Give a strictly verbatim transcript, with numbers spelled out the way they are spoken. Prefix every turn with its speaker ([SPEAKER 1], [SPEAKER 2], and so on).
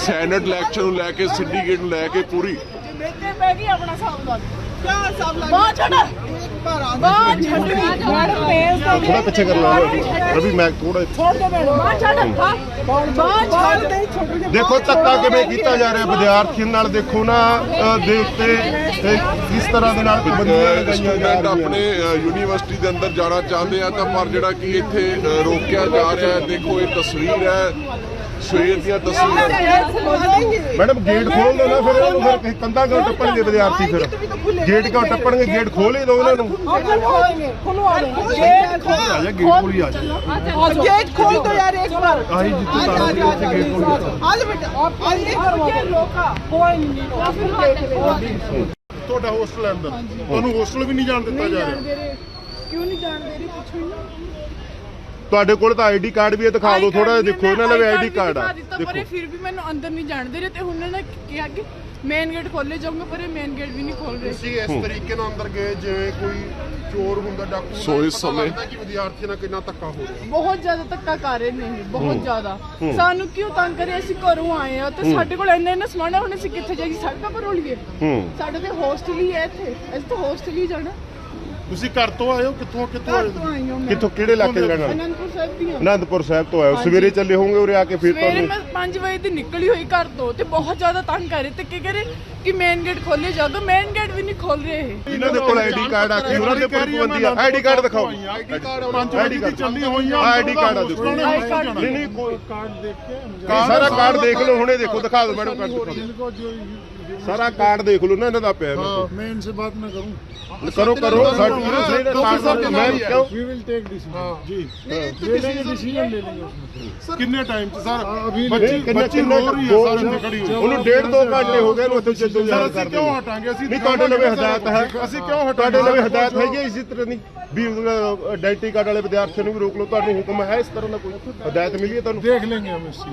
[SPEAKER 1] Senate election ਨੂੰ ਲੈ ਕੇ syndicate ਨੂੰ ਲੈ ਕੇ ਪੂਰੀ
[SPEAKER 2] ਆਪਣਾ ਸਾਵਧਾਨ क्या साहब बाहर छोड़ एक बार बाहर छोड़ मैडम पेज दे
[SPEAKER 3] थोड़ा पीछे कर लो रवि मैं थोड़ा
[SPEAKER 2] छोड़ दे मैडम बाहर छोड़ बाहर छोड़ दे छोड़ दे
[SPEAKER 3] देखो ਧੱਕਾ ਕਿਵੇਂ ਕੀਤਾ ਜਾ ਰਿਹਾ ਵਿਦਿਆਰਥੀਆਂ ਨਾਲ ਦੇਖੋ ਨਾ ਦੇ ਉੱਤੇ ਕਿਸ ਤਰ੍ਹਾਂ ਦੇ ਨਾਲ ਪਾਬੰਦੀਆਂ ਲਗਾਈਆਂ ਜਾ
[SPEAKER 1] ਰਹੀਆਂ ਆਪਣੇ ਯੂਨੀਵਰਸਿਟੀ ਦੇ ਅੰਦਰ ਜਾਣਾ ਚਾਹੁੰਦੇ ਆ ਤਾਂ ਪਰ ਜਿਹੜਾ ਕਿ ਇੱਥੇ ਰੋਕਿਆ ਜਾ ਰਿਹਾ ਹੈ। ਦੇਖੋ ਇਹ ਤਸਵੀਰ ਹੈ ਸਵੇਰ ਦੀਆਂ ਤਸਵੀਰਾਂ।
[SPEAKER 3] ਮੈਡਮ ਗੇਟ ਖੋਲ ਦੋ ਨਾ ਫਿਰ ਉਹਨੂੰ ਫਿਰ ਕੰਧਾਂ ਕਿਉਂ ਟੱਪਣਗੇ ਵਿਦਿਆਰਥੀ ਫਿਰ ਗੇਟ ਕਿਉਂ ਟੱਪਣਗੇ ਗੇਟ ਖੋਲ ਹੀ ਦਿਓ ਉਹਨਾਂ ਨੂੰ
[SPEAKER 2] गेट
[SPEAKER 3] ਆ ਜਾ ਗੇਟ ਖੋਲ ਹੀ ਆ ਜਾ
[SPEAKER 2] गेट खोल दो यार एक बार
[SPEAKER 3] ਆਹੀ ਜਿੱਥੇ ਤਾਰਾ ਸੀ ਉੱਥੇ ਗੇਟ ਖੋਲ
[SPEAKER 2] आज बेटा आज ये लोका कोई नहीं
[SPEAKER 3] ਤੁਹਾਡਾ ਹੋਸਟਲ ਅੰਦਰ ਤੁਹਾਨੂੰ ਹੋਸਟਲ ਵੀ ਨਹੀਂ ਜਾਣ ਦਿੱਤਾ ਜਾ ਰਿਹਾ
[SPEAKER 2] क्यों नहीं जान दे रही पूछो ना
[SPEAKER 3] ਤੁਹਾਡੇ ਕੋਲ ਤਾਂ ਆਈਡੀ ਕਾਰਡ ਵੀ ਹੈ ਦਿਖਾ ਦਿਓ ਥੋੜਾ ਦੇਖੋ ਇਹਨਾਂ ਦਾ ਵੀ ਆਈਡੀ ਕਾਰਡ ਆ
[SPEAKER 2] ਦੇਖੋ ਪਰ ਫਿਰ ਵੀ ਮੈਨੂੰ ਅੰਦਰ ਨਹੀਂ ਜਾਣ ਦੇ ਰਹੇ ਤੇ ਹੁਣ ਨਾ ਕਿਹਾ ਕਿ ਮੇਨ ਗੇਟ ਖੋਲੇ ਜਾਊਂਗਾ ਪਰ ਇਹ ਮੇਨ ਗੇਟ ਵੀ ਨਹੀਂ ਖੋਲ ਰਹੇ
[SPEAKER 3] ਤੁਸੀਂ ਇਸ ਤਰੀਕੇ ਨਾਲ ਅੰਦਰ ਗਏ ਜਿਵੇਂ ਕੋਈ ਚੋਰ ਹੁੰਦਾ ਡਾਕੂ
[SPEAKER 1] ਸੋ ਇਸ ਸਮੇਂ
[SPEAKER 3] ਕਿ ਵਿਦਿਆਰਥੀਆਂ ਨਾਲ ਕਿੰਨਾ ਧੱਕਾ ਹੋ ਰਿਹਾ
[SPEAKER 2] ਬਹੁਤ ਜ਼ਿਆਦਾ ਧੱਕਾ ਕਰ ਰਹੇ ਨੇ ਬਹੁਤ ਜ਼ਿਆਦਾ ਸਾਨੂੰ ਕਿਉਂ ਤੰਗ ਕਰੇ ਅਸੀਂ ਘਰੋਂ ਆਏ ਆ ਤੇ ਸਾਡੇ ਕੋਲ ਇੰਨਾ ਇੰਨਾ ਸਮਾਨ ਹੈ ਹੁਣ ਅਸੀਂ ਕਿੱਥੇ ਜਾਈਏ ਸੜਕਾਂ ਪਰ ਰੋਲੀਏ ਸਾਡੇ ਤੇ ਹੋਸਟਲ ਹੀ ਹੈ ਇੱਥੇ ਅਸੀਂ ਤਾਂ ਹੋਸਟਲ ਹੀ ਜਾਣਾ
[SPEAKER 3] ਤੁਸੀਂ ਘਰ ਤੋਂ ਆਏ ਹੋ ਕਿੱਥੋਂ ਕਿੱਥੋਂ ਆਏ
[SPEAKER 2] ਤੋਂ ਆਈ ਹਾਂ ਮੈਂ
[SPEAKER 3] ਕਿੱਥੋਂ ਕਿਹੜੇ ਇਲਾਕੇ ਦੇ ਰਹਿਣ ਵਾਲੇ
[SPEAKER 2] ਅਨੰਦਪੁਰ ਸਾਹਿਬ ਦੀ ਹਾਂ
[SPEAKER 3] ਅਨੰਦਪੁਰ ਸਾਹਿਬ ਤੋਂ ਆਏ ਹੋ ਸਵੇਰੇ ਚੱਲੇ ਹੋਵੋਗੇ ਉਰੇ ਆ ਕੇ ਫਿਰ
[SPEAKER 2] ਸਵੇਰੇ
[SPEAKER 3] ਤੁਹਾਨੂੰ
[SPEAKER 2] ਮੈਂ ਪੰਜ ਵਜੇ ਦੀ ਨਿਕਲੀ ਹੋਈ ਘਰ ਤੋਂ ਤੇ ਬਹੁਤ ਜ਼ਿਆਦਾ ਤੰਗ ਕਰ ਰਹੇ ਤੇ ਕੀ ਕਰੇ ਕਿ ਮੇਨ ਗੇਟ ਖੋਲੇ ਜਾਗਾ ਮੇਨ ਗੇਟ ਵੀ ਨਹੀਂ ਖੋਲ ਰਹੇ ਇਹ
[SPEAKER 3] ਇਹਨਾਂ ਦੇ ਕੋਲ ਆਈਡੀ ਕਾਰਡ ਆ ਕੇ ਉਹਨਾਂ ਦੇ ਉੱਪਰ ਪਾਬੰਦੀ ਆ ਆਈਡੀ ਕਾਰਡ ਦਿਖਾਓ ਆਈਡੀ ਕਾਰਡ ਪੰਜ ਵਜੇ ਦੀ ਚੱਲੀ ਹੋਈ ਆ ਆਈਡੀ ਕਾਰਡ ਆ ਦੇਖੋ ਨਹੀਂ ਨਹੀਂ ਕੋਈ ਕਾਰਡ ਦੇਖ ਕੇ ਸਾਰਾ ਕਾਰਡ ਦੇਖ ਲਓ ਹੁਣੇ ਦੇਖੋ ਦਿਖਾ ਦਿਓ ਮੈਡਮ ਕਾਰਡ ਸਾਰਾ ਕਾਰਡ ਦੇਖ ਲਓ ਨਾ ਇਹਨਾਂ ਦਾ ਪਿਆ
[SPEAKER 4] मैं इनसे बात ना करूं
[SPEAKER 3] करो करो मैं क्यों
[SPEAKER 4] वी विल टेक डिसीजन जी ले लेंगे डिसीजन ले लेंगे उसमें
[SPEAKER 3] कितने टाइम से सर
[SPEAKER 4] अभी
[SPEAKER 3] बच्ची बच्ची रो रही है सारे खड़ी हुई ਉਹਨੂੰ ਡੇਢ ਦੋ ਘੰਟੇ ਹੋ ਗਏ ਉੱਥੇ ਜਦੋਂ ਯਾਰ ਕਰਦੇ
[SPEAKER 4] क्यों हटाएंगे ਅਸੀਂ
[SPEAKER 3] ਨਹੀਂ ਤੁਹਾਡੇ ਲਵੇ ਹਦਾਇਤ ਹੈ
[SPEAKER 4] ਅਸੀਂ ਕਿਉਂ
[SPEAKER 3] ਤੁਹਾਡੇ ਲਵੇ ਹਦਾਇਤ ਹੈਗੀ ਇਸੇ ਤਰ੍ਹਾਂ ਨਹੀਂ ਵੀ ਆਇਡੈਂਟੀ ਕਾਰਡ ਵਾਲੇ ਵਿਦਿਆਰਥੀਆਂ ਨੂੰ ਵੀ ਰੋਕ ਲਓ ਤੁਹਾਨੂੰ ਹੁਕਮ ਹੈ ਇਸ ਤਰ੍ਹਾਂ ਦਾ ਕੋਈ ਹਦਾਇਤ ਮਿਲੀ ਹੈ ਤੁਹਾਨੂੰ
[SPEAKER 4] देख लेंगे हम इस